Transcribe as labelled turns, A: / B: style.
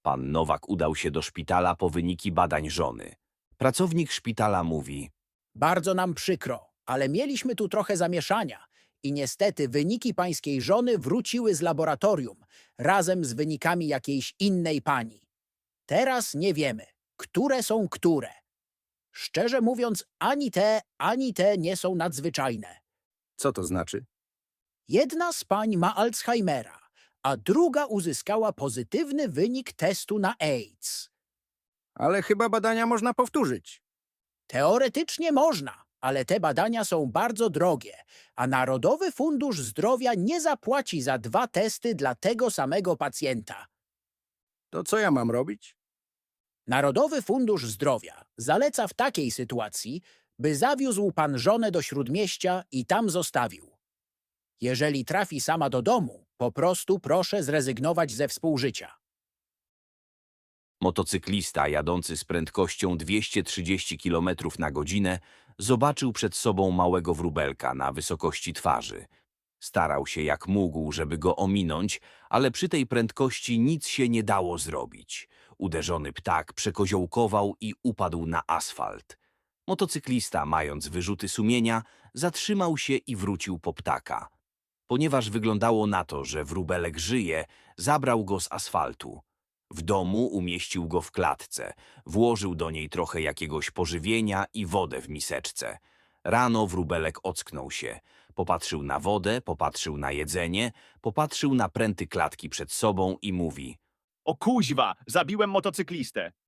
A: Pan Nowak udał się do szpitala po wyniki badań żony. Pracownik szpitala mówi:
B: Bardzo nam przykro, ale mieliśmy tu trochę zamieszania i niestety wyniki pańskiej żony wróciły z laboratorium razem z wynikami jakiejś innej pani. Teraz nie wiemy, które są które. Szczerze mówiąc, ani te nie są nadzwyczajne.
C: Co to znaczy?
B: Jedna z pań ma Alzheimera, a druga uzyskała pozytywny wynik testu na AIDS.
C: Ale chyba badania można powtórzyć.
B: Teoretycznie można, ale te badania są bardzo drogie, a Narodowy Fundusz Zdrowia nie zapłaci za 2 testy dla tego samego pacjenta.
C: To co ja mam robić?
B: Narodowy Fundusz Zdrowia zaleca w takiej sytuacji, by zawiózł pan żonę do śródmieścia i tam zostawił. Jeżeli trafi sama do domu, po prostu proszę zrezygnować ze współżycia.
A: Motocyklista jadący z prędkością 230 km na godzinę zobaczył przed sobą małego wróbelka na wysokości twarzy. Starał się jak mógł, żeby go ominąć, ale przy tej prędkości nic się nie dało zrobić. Uderzony ptak przekoziołkował i upadł na asfalt. Motocyklista, mając wyrzuty sumienia, zatrzymał się i wrócił po ptaka. Ponieważ wyglądało na to, że wróbelek żyje, zabrał go z asfaltu. W domu umieścił go w klatce, włożył do niej trochę jakiegoś pożywienia i wodę w miseczce. Rano wróbelek ocknął się. Popatrzył na wodę, popatrzył na jedzenie, popatrzył na pręty klatki przed sobą i mówi:
D: O kuźwa, zabiłem motocyklistę.